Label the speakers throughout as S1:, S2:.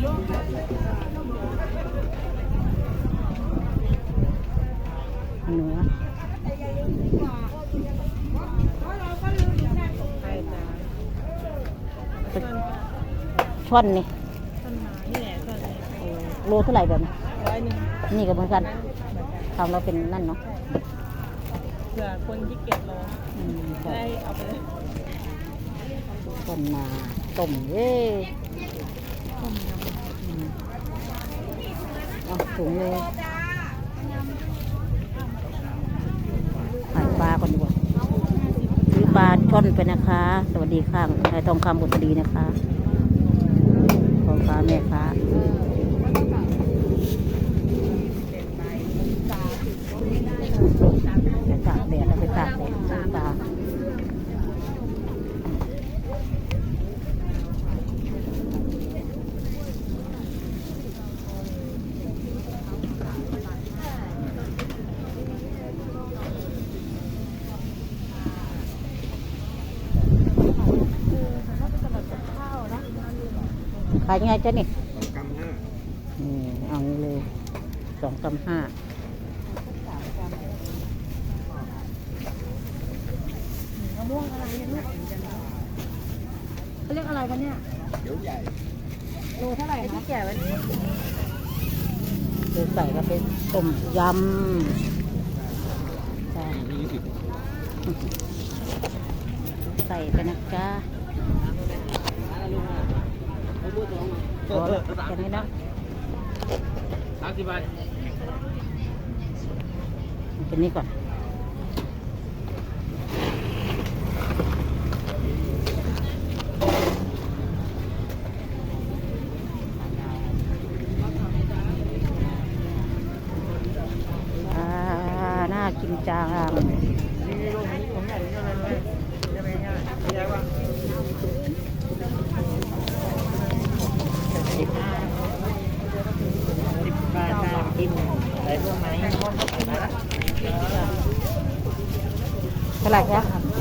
S1: เนื้อช่อนนี่โลเท่าไหร่แบบนี้100นี่ก็เหมือนกันทำเราเป็นนั่นเนาะ
S2: เผื่อคนที่เกียจรอได้เอาไปเลย
S1: ช่อนนาต้มเย้เอาถุงเลยขายปลาก่อนดีกว่าซื้อปลาช่อนไปนะคะสวัสดีค่ะนายทองคำบุตรดีนะคะพ่อค้าแม่ค้าไปตากแดดเอาไปตากแดดซื้อปลาขายยังไงจ๊ะนี่2 กรัม 5เอางี้เลย2 กรัม 5
S2: มะม่วงอะไรเนี่ยลูกเขาเรียกอะไรกันเนี่ยเดี๋ยวใหญ่โลเท่าไหร่คะแก่ไว้
S1: เดี๋ยวใส่ก็เป็นต้มยำใส่ไปนะจ๊ะแค่นี้นะ
S3: 30 บาท
S1: เป็นนี้ก่อนน่ากินจังเท่าไหร่คะ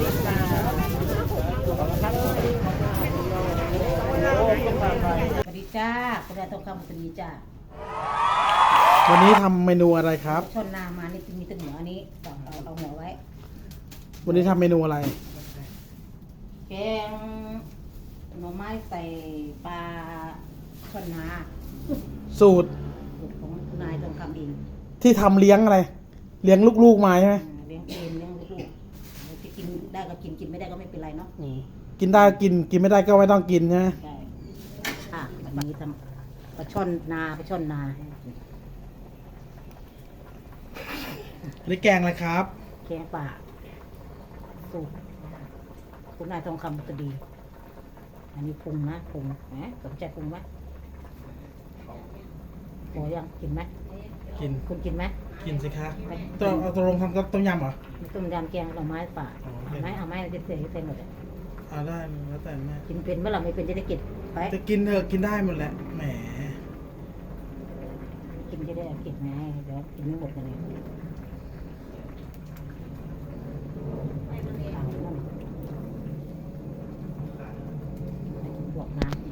S1: สวัสดีจ้าคุณนายทองคำสวัสดีจ้า
S4: วันนี้ทำเมนูอะไรครับ
S1: ช่อนนามานี่มีแต่หัวอันนี้เอาหัวไว้
S4: วันนี้ทำเมนูอะไร
S1: แกงหน่อไม้ใส่ปลาช่อนนา
S4: สูตร
S1: ของนายทองคำเอง
S4: ที่ทำเลี้ยงอะไรเลี้ยงลูกๆมาใช่ไหม
S1: เลี้ยงเองเลี้ยงลูกๆที่กินได้ก็กินกินไม่ได้ก็ไม่เป็นไรเนาะ
S4: กินได้กินไม่ได้ก็ไม่ต้องกินใช่ไหม
S1: ใช่วันนี้ทำปลาช่อนนา
S4: นี่แกงอะไรครับ
S1: แกงป่าสูตรคุณนายทองคำจะดีอันนี้ปรุงนะปรุงนะสนใจปรุงไหมโอ้ยังกินไหม
S4: กิน
S1: คุณกินไหม
S4: กินสิคะตัวลงทำต้มยำเหรอ
S1: ต้มยำแกงหน่อไม้ป่าเอาไหมจะเสร็จหมดเลย
S4: ได้แล้วแต่แม่
S1: กินเป็นเมื่อไหร่ไม่เป็นจะได้กินไป
S4: จะกินเถอะกินได้หมดแหละแหม
S1: กินจะได้กินไงเดี๋ยวกินไม่หมดกันเลยบวกน้ำ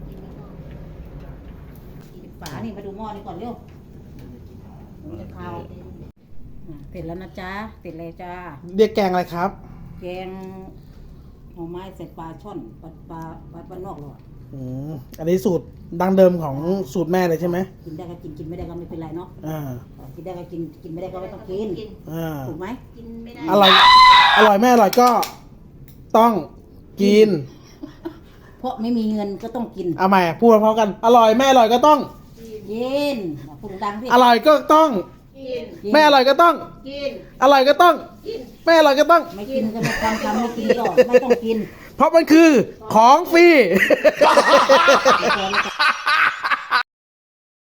S1: ฝานี่มาดูหม้อนี่ก่อนเร็วจะข้าวเสร็จแล้วนะจ๊ะเสร็จเลยจ้า
S4: เรียกแกงอะไรครับ
S1: แกงหน่อไม้ใส่ปลาช่อนปลานอกหรอ
S4: อันนี้สูตรดั้งเดิมของสูตรแม่เลยใช่ไหม
S1: กินได้ก็กินไม่ได้ก็ไม่เป็นไรเนาะกินได้ก็กินไม่ได้ก็ไม่ต้องกินถูกไหมกินไม่ได้อร่
S4: อยแม่อร่อยก็ต้องกิน
S1: เพราะไม่มีเงินก็ต้องกิน
S4: เอาใหม่พูดพร้อมกันอร่อยแม่อร่อยก็ต้อง
S1: กินพูดดังสิ
S4: อร่อยก็ต้อง
S1: กิน
S4: แม่อร่อยก็ต้อง
S1: กิน
S4: อร่อยก็ต้องกินแม่อร่อยก็ต้อง
S1: ไม่กินก็ไม่ทำไม่กินก็ไม่ต้องกิน
S4: เพราะมันคือของฟรี